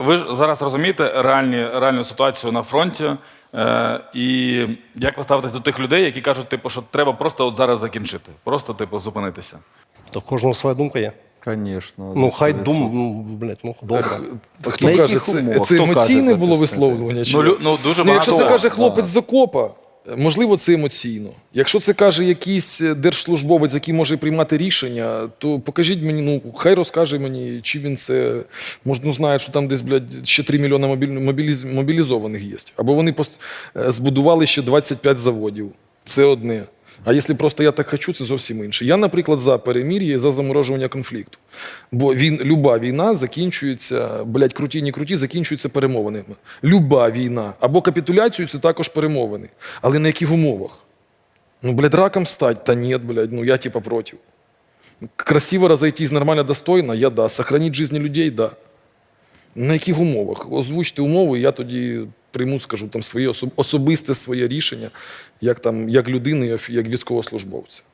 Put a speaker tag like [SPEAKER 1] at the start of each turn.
[SPEAKER 1] ви ж зараз розумієте реальну ситуацію на фронті, і як ви ставитесь до тих людей, які кажуть, типу, що треба просто от зараз закінчити, просто типу зупинитися?
[SPEAKER 2] То в кожного своя думка є.
[SPEAKER 3] Конечно.
[SPEAKER 2] Ну, хай блядь, ну, добре.
[SPEAKER 4] Хто
[SPEAKER 3] На
[SPEAKER 4] каже,
[SPEAKER 3] яких умовах?
[SPEAKER 4] це
[SPEAKER 3] Хто каже
[SPEAKER 4] емоційне
[SPEAKER 3] це
[SPEAKER 4] було
[SPEAKER 3] писати?
[SPEAKER 4] висловлювання? Чи
[SPEAKER 1] Дуже
[SPEAKER 4] ну, якщо це
[SPEAKER 1] багато.
[SPEAKER 4] каже хлопець з окопа, можливо, це емоційно. Якщо це каже якийсь держслужбовець, який може приймати рішення, то покажіть мені, ну, хай розкаже мені, чи він це, може, ну, знає, що там десь, блядь, ще 3 мільйони мобілізованих є. Або вони збудували ще 25 заводів. Це одне. А якщо просто я так хочу, це зовсім інше. Я, наприклад, за перемир'я і за заморожування конфлікту. Бо люба війна закінчується, блядь, круті, не круті, закінчується перемовинами. Люба війна. Або капітуляцію, це також перемовини. Але на яких умовах? Ну, блядь, раком стать? Та ні, блядь, ну я типа проти. Красиво разойтись, нормально, достойно? Я да. Сохранить жизни людей? Да. На яких умовах? Озвучте умови, я тоді прийму, скажу, там своє особисте своє рішення, як людини, як військовослужбовця.